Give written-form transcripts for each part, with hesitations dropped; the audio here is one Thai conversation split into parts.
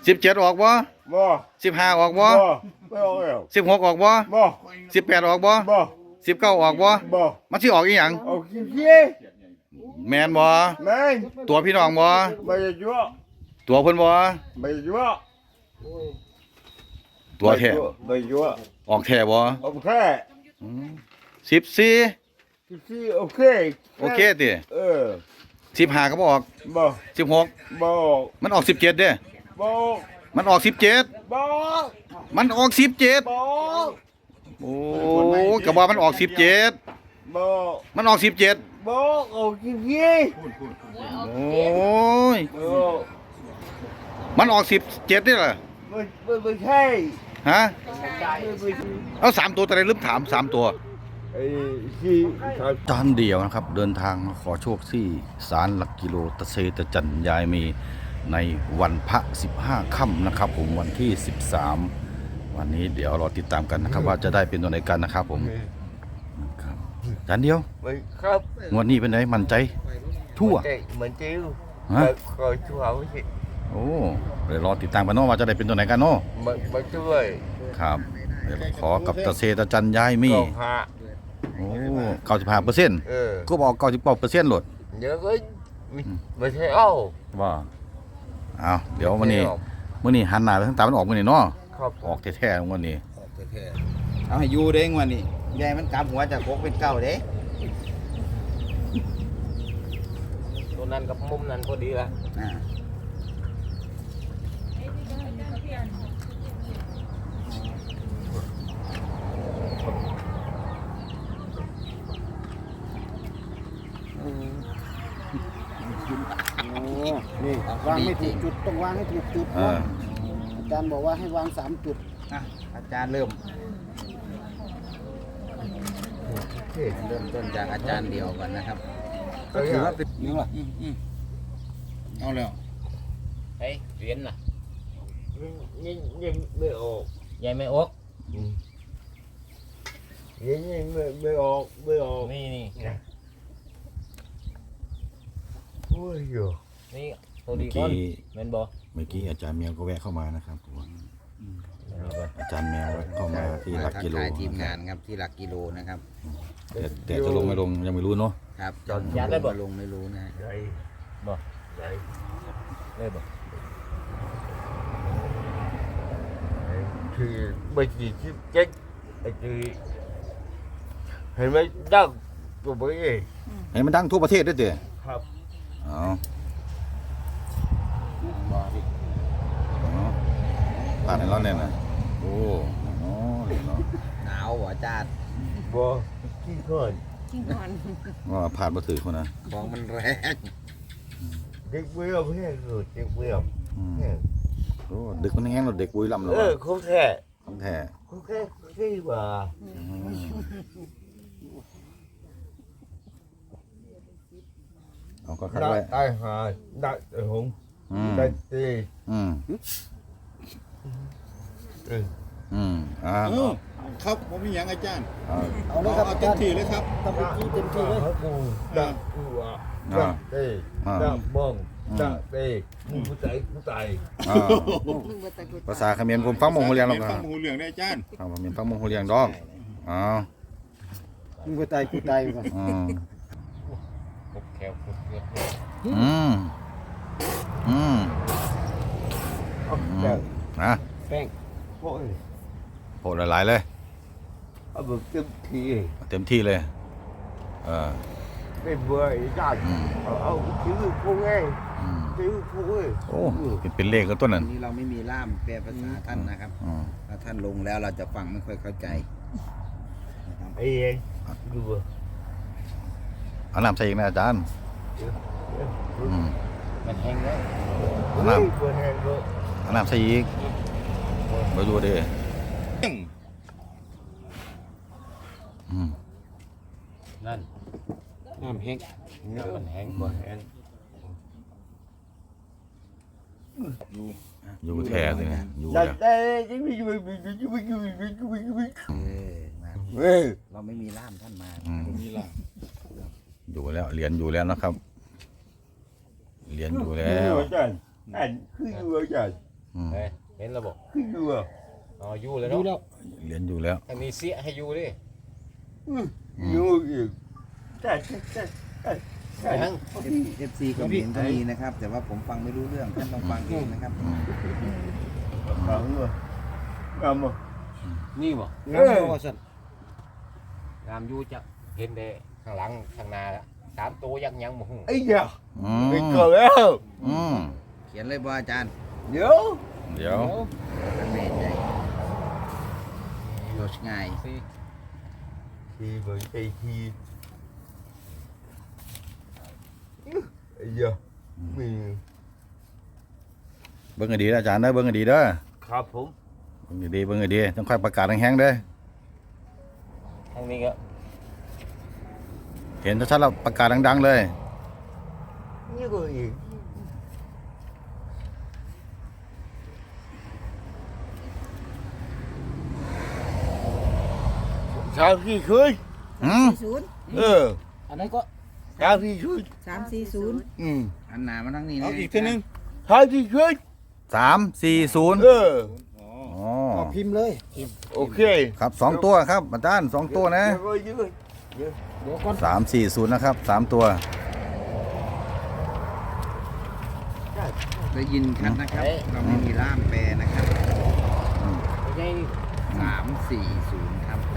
17ออกบ่บ่ 15ออกบ่บ่ไม่ออกแล้ว 16ออกบ่บ่ 18ออกบ่บ่ 19ออกบ่บ่มันสิออกอีหยังออกขี้แม่นบ่แม่งตัวพี่น้องบ่ไม่ยั่วตัวเพิ่นบ่ไม่ยั่วตัวแท้ไม่ยั่วออกแท้บ่โอเค 14 ขี้โอเคโอเคติ15ก็บ่ออกบ่ 16 บ่มันออก17เด้บ่มันออก17 บ่มันออก17 บ่โอ้ก็ว่ามันออก17 บ่มันออก17 บ่ออกขี้โอ้ยมันออก17นี่ล่ะไม่ใช่ฮะเอา3ตัวแต่ได้ลืมถาม3ตัวไอ้ขี้จานเดียวนะครับเดินทางมาขอโชคที่ศาลหลักกิโลตะเซตะจันยายมีในวันพระ15ค่ำนะครับผมวันที่13วันนี้เดี๋ยวรอติดตามกันนะครับว่าจะได้เป็นตัวไหนกันนะครับผมครับจานเดียวครับงวดนี้เป็นไงมั่นใจทั่วเหมือนจิ้วคอยช่วยสิโอ้เดี๋ยวรอติดตามกันเนาะว่าจะได้เป็นตัวไหนกันเนาะมาช่วยครับเดี๋ยวขอกับตะเซตะจันยายมีโอ้95%ก็บอก99%หลดเยอะก็ไม่ใช่เอ้าว่าเอาเดี๋ยววันนี้มื้อนี้หันหน้าไปทางตามันออกมื้อนี้เนาะออกแท้ๆมื้อนี้เอาให้อยู่เด้งวันนี้ยายมันกำหัวจาก6เป็น9เด้ตัวนั้นกับมุมนั้นพอดีละนี่วางไม่ถูกจุดต้องวางให้ถูกจุดนะอาจารย์บอกว่าให้วาง3จุดอาจารย์เริ่มต้นจากอาจารย์เดียวกันนะครับก็ถือว่าเป็นนี่ว่ะเอาแล้วเฮ้ยเรียนน่ะยังไม่ออกยังไม่ออกยังไม่ออกนี่โอ้ยอยู่นี่ตัวดีก่อนเมื่อกี้อาจารย์แมวก็แวะเข้ามานะครับอาจารย์แมวเข้ามาที่หลักกิโลทีมงานครับที่หลักกิโลนะครับแต่จะลงไม่ลงยังไม่รู้เนาะครับจอดยัดได้บ่ลงไม่รู้นะบ่ได้บ่คือไม่กี่ชิปเจ๊กไอ้คือเห็นไหมดังตัวเบ้ยเห็นมันดังทั่วประเทศด้วยเด้อครับอ๋อผ่านในร้อนเนี่ยนะโอ้เนาะหนาวหัวจาดบ่ขี้ก่อนว่าผ่านมาถือคนนะของมันแรงเด็กเบี้ยวแห้งเลยเด็กเบี้ยวโอ้เด็กมันแห้งเราเด็กปุ้ยลำเราเขาแท้เขาแท้ที่ว่าเอาก็คัดไว้ได้หาได้หงได้ตีครับผมมีอย่างอาจารย์เอาเลยครับเต็มที่เลยครับเต็มที่เลยได้ตีได้บ้องได้ตีผู้ใจภาษาเขมรผมฟังมงโฮเลียงหรอกครับฟังมงโฮเลียงได้อาจารย์ผมฟังมงโฮเลียงดอกมึงตายกูตายก่อนแขวแป้งโผล่หลายๆเลยเอาแบบเต็มที่เลยไม่เบื่อได้เอาชื่อพวกไงชื่อพวกโอ้เป็นเลขก็ต้นนั้นนี้เราไม่มีล่ามแปลภาษาท่านนะครับถ้าท่านลงแล้วเราจะฟังไม่ค่อยเข้าใจไอ้เองดูเอาน้ำใส่อีกนะอาจารย์มันแห้งแล้วเอาน้ำใส่อีกไปดูดินั่นน้ำแห้งมันแห้งบ่แห้งอยู่แท้เลยนะอยู่แล้วเราไม่มีล่ามท่านมาอยู่แล้วเรียนอยู่แล้วนะครับเรียนอยู่แล้วอาจารย์คืออยู่อาจารย์เฮ้ยเห็นระบบดูอ่ะอ๋ออยู่เลยดูเนาะแล้วเหรียญอยู่แล้วอันนี้เสียให้อยู่ดิอยู่อีกใช่ยัง FC คอมเมนต์ก็มีนะครับ แต่ว่าผมฟังไม่รู้เรื่องท่านต้องฟังเองนะครับฟังเลยงามบ่นี่บ่งามบ่ว่าซั่นงามอยู่จักเห็นได้ข้างหลังข้างหน้าแล้ว3ตัวยังบ่ฮู้ไอ้เหี้ยอืมไปเกิดแล้วอืมเขียนเลยบ่อาจารย์เดี๋ยวเดี๋ยวแม่ใจโยชง่ายสิทีเหมือนไอ้ทีไอ้เหี้ยมีเบิ่งให้ดีนะอาจารย์เด้อเบิ่งให้ดีเด้อครับผมเบิ่งให้ดีเบิ่งให้ดีต้องค่อยประกาศแห้งๆเด้อทางนี้ก็เห็นชัดๆแล้วประกาศดังๆเลยนี่ก็อีกชาวที่ช่วยอืมเอออันนั้นก็ชาวที่ช่วย 340 อันหนามาทั้งนี้นะเอาอีกทีนึงชาวที่ช่วย 340 เอออ๋อก็พิมพ์เลยโอเคครับ2ตัวครับอาจารย์2ตัวนะเดี๋ยวก็ยืดเดี๋ยวก่อน 340นะครับ3ตัวได้ยินชัดนะครับ เราไม่มีล่ามแปลนะครับไม่ใช่นี่ 340 ครับ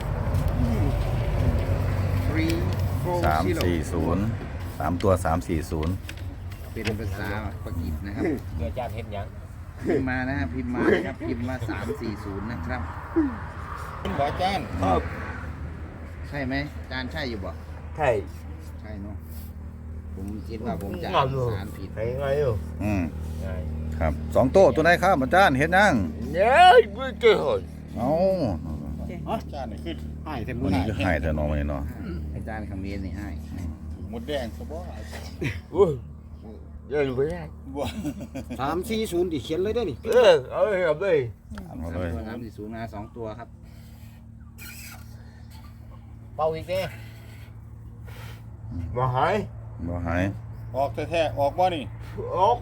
340 3ตัว340 เป็นภาษาปากีสนะครับเดี๋ยวอาจารย์เห็นหยังพิมพ์มานะครับพิมพ์มานะครับพิมพ์มา340นะครับคุณหมออาจารย์ใช่ไหมอาจารย์ใช่อยู่บ่ใช่ใช่เนาะผมคิดว่าผมจะงามอยู่สารผิดไงอยู่อืมไงครับ2ตัวไหนครับอาจารย์เห็นยังเนี่ยไม่เจอเอ้าอาจารย์นี่คือให้แต่วัมื้นอนี้นี้ก็ให้แต่น้องมาเนาะอาจารย์คำเมนนี่ให้หมดแดงซะบ่อุ้ยเดินไปได้บ่ 340ดิเขียนเลยได้อนี่เอาไปเอาไปเอาเลย 340นะ2ตัวครับเป่าอีกเด้มาหายบ่หายออกแท้ๆออกบ่นี่ออก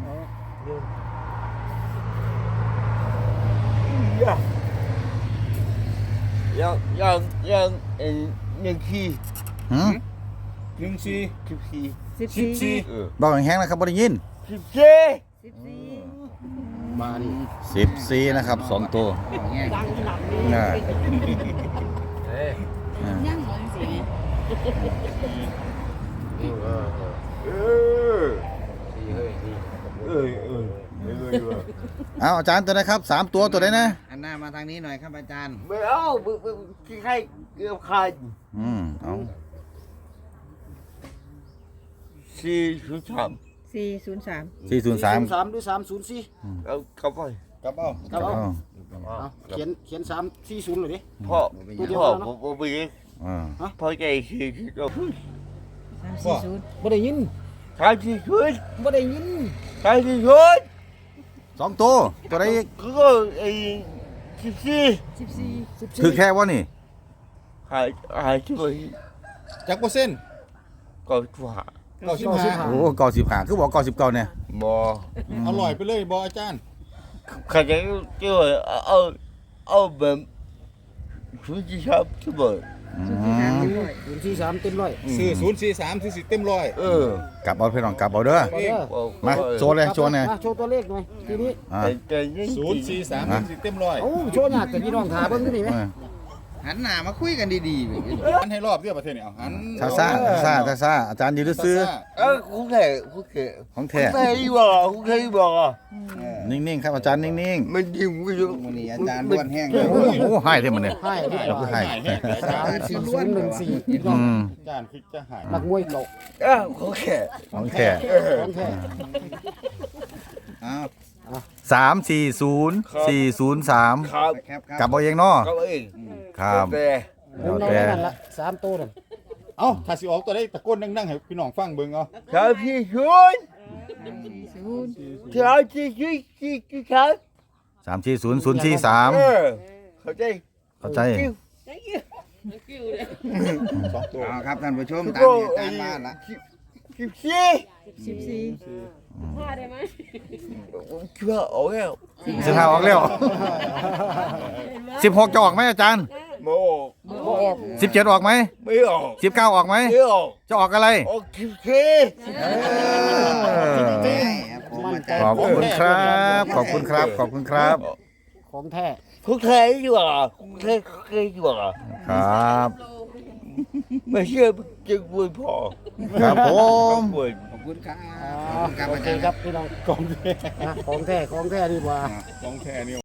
ยังยังขี้หืม 14 14 14 บอกแห้งๆนะครับบ่ได้ยิน 14 มานี่ 14นะครับ2ตัวแง่ดังหนักน่ะเอ้ยยังเหมือนสินี่เออดีเฮ้ยดีเอาอาจารย์ตัวไหนครับ3ตัวตัวไหนนะอันหน้ามาทางนี้หน่อยครับอาจารย์ไม่เอาขี้ใครเกือบขาดเอา 403 403 403 3หรือ304 เอาเข้าไปกลับเอาครับเอาอ๋อเอาเขียน340เลยดิพ่อตัวเดียวพ่อแล้วเนอะผมไปอ่าพ่อใจขี้เรา 340 บ่ได้ยินทางที่ช่วยบ่ได้ยินทางที่ช่วย 2ตัวตัวไหนอีกก็ไอ้14 14 คือแค่ว่านี่หายช่วยจักเปอร์เซ็นต์ก็ว่า 95 โอ้95คือบอก99เนี่ยบ่อร่อยไปเลยบ่อาจารย์ใครจะช่วยเอาแบบชุดที่ชอบช่วย 43เต็มร้อยซื้อ043ซื้อ10เต็มร้อยกลับเอาพี่น้องกลับเอาเด้อเอาเด้อมาโชว์เลยโชว์หน่อยมาโชว์ตัวเลขหน่อยทีนี้อ่า 043ซื้อ10เต็มร้อยเอ้าโชว์หน้าแต่พี่น้องถาเบิ่งดูนี่ไหมหันหน้ามาคุยกันดีๆหันให้รอบเดียวประเทศนี้เอาหันซ่าอาจารย์อยู่ซื้อ cũng thể ของแท้ cũng thấy bò นิ่งๆครับอาจารย์นิ่ง mình dùng cái มื้อนี้อาจารย์ล้วนแห้งเลยๆโอ้โหให้เท่มันเนี่ยให้ดีกว่าให้ 34014พี่น้องอาจารย์คือจะหายนักมวยเก่า có thể ของแท้ของแท้อ้าว 340 403 khắp แคปครับกลับเอาเองเนาะ các bạn ครับ về ผมแล้วเอาแต่ไว้นั่นละ3ตัวนั่นเอ้าถ้าสิออกตัวได้ตะโกนดังๆให้พี่น้องฟังเบิ่งเอา sao thì xuống 40 sao thì chứ sao 340043 เข้าใจเข้าใจเอาครับท่านผู้ชมตามที่อาจารย์ว่าละ 14 14 เชื่อออกแล้วสิบห้าออกแล้ว16จะออกไหมอาจารย์ไม่ออก 17ออกไหมไม่ออก 19ออกไหมไม่ออกจะออกอะไรออกคิวเคครับผมอาจารย์ขอบคุณครับขอบคุณครับขอบคุณครับของแท้คุกเคยอยู่อ่ะคุกเคยอยู่อ่ะครับไม่เชื่อจึงบุญพอครับผมบุญขอบคุณครับโอเคครับพี่น้องของแท้ของแท้ดีกว่าของแท้นี่